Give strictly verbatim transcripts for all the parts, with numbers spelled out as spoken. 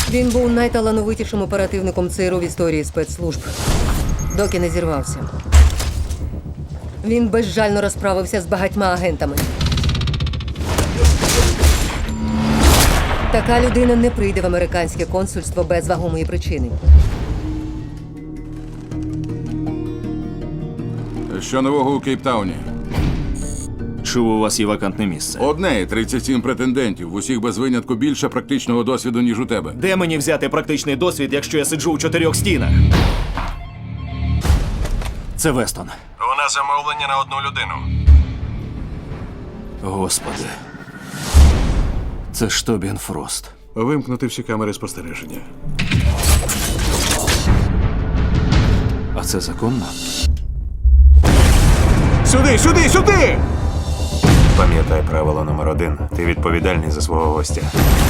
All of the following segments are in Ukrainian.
Він був найталановитішим оперативником ЦРУ в історії спецслужб, доки не зірвався. Він безжально розправився з багатьма агентами. Така людина не прийде в американське консульство без вагомої причини. Що нового у Кейптауні? Чув, у вас є вакантне місце. Одне і тридцять сім претендентів. В усіх без винятку більше практичного досвіду, ніж у тебе. Де мені взяти практичний досвід, якщо я сиджу у чотирьох стінах? Це Вестон. У нас замовлення на одну людину. Господи. Це ж Тобін Фрост. Вимкнути всі камери спостереження. А це законно? Сюди, сюди, сюди! Пам'ятай правило номер один. Ти відповідальний за свого гостя.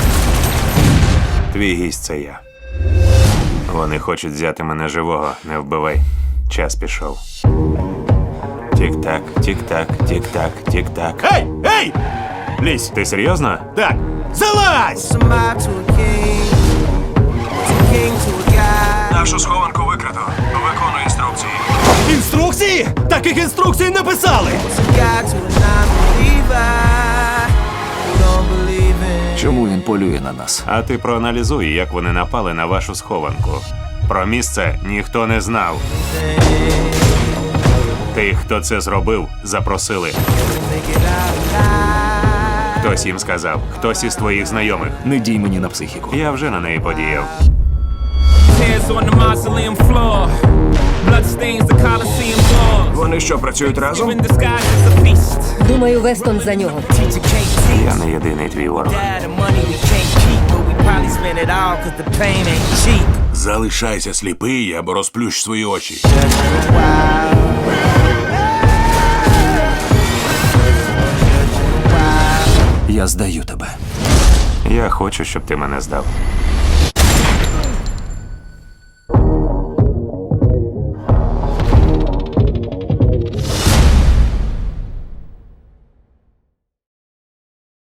Твій гість – це я. Вони хочуть взяти мене живого. Не вбивай. Час пішов. Тік-так, тік-так, тік-так, тік-так. Ей! Ей! Лізь! Ти серйозно? Так! Залазь! Нашу схованку викрито. Виконуй інструкції. Інструкції? Таких інструкцій не писали! Чому він полює на нас? А ти проаналізуй, як вони напали на вашу схованку. Про місце ніхто не знав. Тих, хто це зробив, запросили. Хтось їм сказав, хтось із твоїх знайомих. Не дій мені на психіку. Я вже на неї подіяв. Tears on the mausoleum floor. Blood stains the Colosseum walls. Вони що, працюють разом? In disguise as a feast. Думаю, Вестон за нього. Teacher can't Я teach. не єдиний твій ворог. Dad, the money we can't keep, but we probably spend it all cause the pain ain't cheap. Залишайся сліпий або розплющ свої очі. Я здаю тебе. Я хочу, щоб ти мене здав.